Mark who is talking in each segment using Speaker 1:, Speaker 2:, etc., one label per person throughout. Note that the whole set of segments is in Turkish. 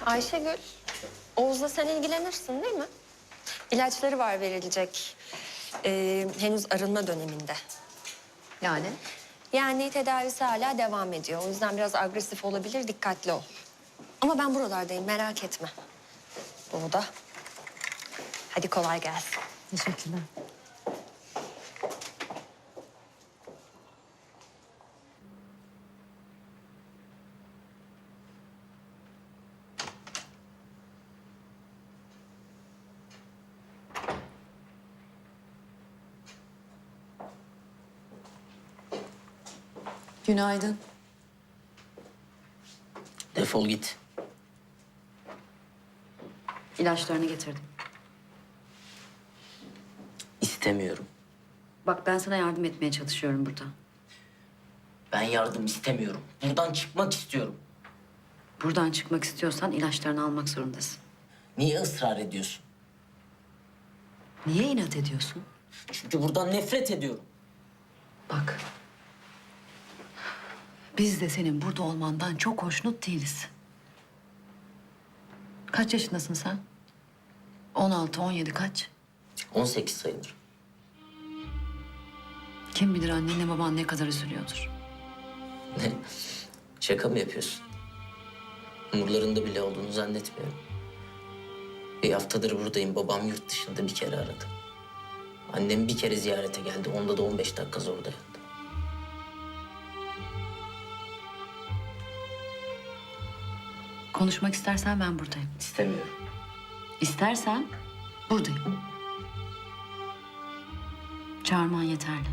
Speaker 1: Ayşegül, Oğuz'la sen ilgilenirsin değil mi? İlaçları var verilecek. Henüz arınma döneminde.
Speaker 2: Yani?
Speaker 1: Yani tedavisi hala devam ediyor. O yüzden biraz agresif olabilir, dikkatli ol. Ama ben buralardayım, merak etme. Doğuda. Hadi kolay gelsin.
Speaker 2: Teşekkürler. Günaydın.
Speaker 3: Defol git.
Speaker 2: İlaçlarını getirdim.
Speaker 3: İstemiyorum.
Speaker 2: Bak ben sana yardım etmeye çalışıyorum burada.
Speaker 3: Ben yardım istemiyorum. Buradan çıkmak istiyorum.
Speaker 2: Buradan çıkmak istiyorsan ilaçlarını almak zorundasın.
Speaker 3: Niye ısrar ediyorsun?
Speaker 2: Niye inat ediyorsun?
Speaker 3: Çünkü buradan nefret ediyorum.
Speaker 2: Bak. Biz de senin burada olmandan çok hoşnut değiliz. Kaç yaşındasın sen? 16, 17 kaç?
Speaker 3: 18 sayılır.
Speaker 2: Kim bilir annenle baban ne kadar üzülüyordur.
Speaker 3: Ne? Şaka mı yapıyorsun? Umurlarında bile olduğunu zannetmiyorum. Bir haftadır buradayım. Babam yurt dışında bir kere aradı. Annem bir kere ziyarete geldi. Onda da 15 dakika zor dayandı.
Speaker 2: Konuşmak istersen ben buradayım.
Speaker 3: İstemiyorum.
Speaker 2: İstersen buradayım. Çağırman yeterli.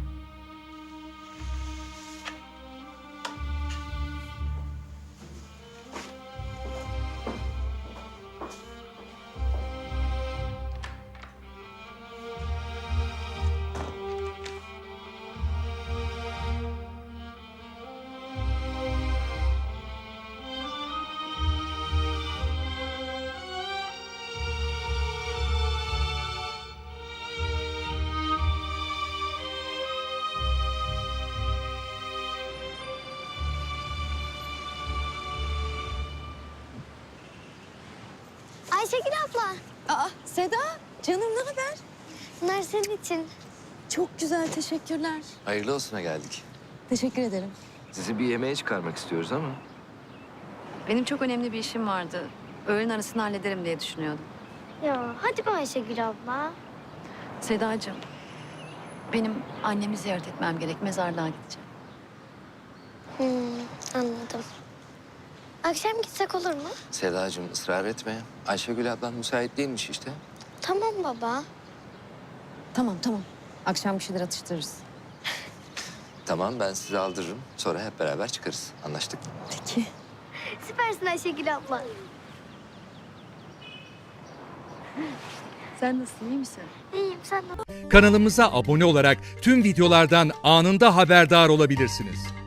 Speaker 4: Ayşegül abla,
Speaker 5: Aa Seda, canım ne haber?
Speaker 4: bunlar senin için.
Speaker 5: Çok güzel, teşekkürler.
Speaker 6: Hayırlı olsuna geldik.
Speaker 5: Teşekkür ederim.
Speaker 6: Sizi bir yemeğe çıkarmak istiyoruz ama.
Speaker 2: Benim çok önemli bir işim vardı. Öğlen arasını hallederim diye düşünüyordum.
Speaker 4: Ya hadi be Ayşegül abla.
Speaker 2: Sedacığım, benim annemi ziyaret etmem gerek. Mezarlığa gideceğim.
Speaker 4: Anladım. Akşam gitsek olur mu?
Speaker 6: Sedacığım ısrar etme. Ayşegül ablan müsait değilmiş işte.
Speaker 4: Tamam baba.
Speaker 5: Tamam, tamam. Akşam bir şeyler atıştırırız.
Speaker 6: Tamam ben sizi aldırırım. Sonra hep beraber çıkarız. Anlaştık.
Speaker 5: Peki.
Speaker 4: Süpersin Ayşegül abla.
Speaker 2: Sen nasılsın, iyi misin?
Speaker 4: İyiyim sen de.
Speaker 7: Kanalımıza abone olarak tüm videolardan anında haberdar olabilirsiniz.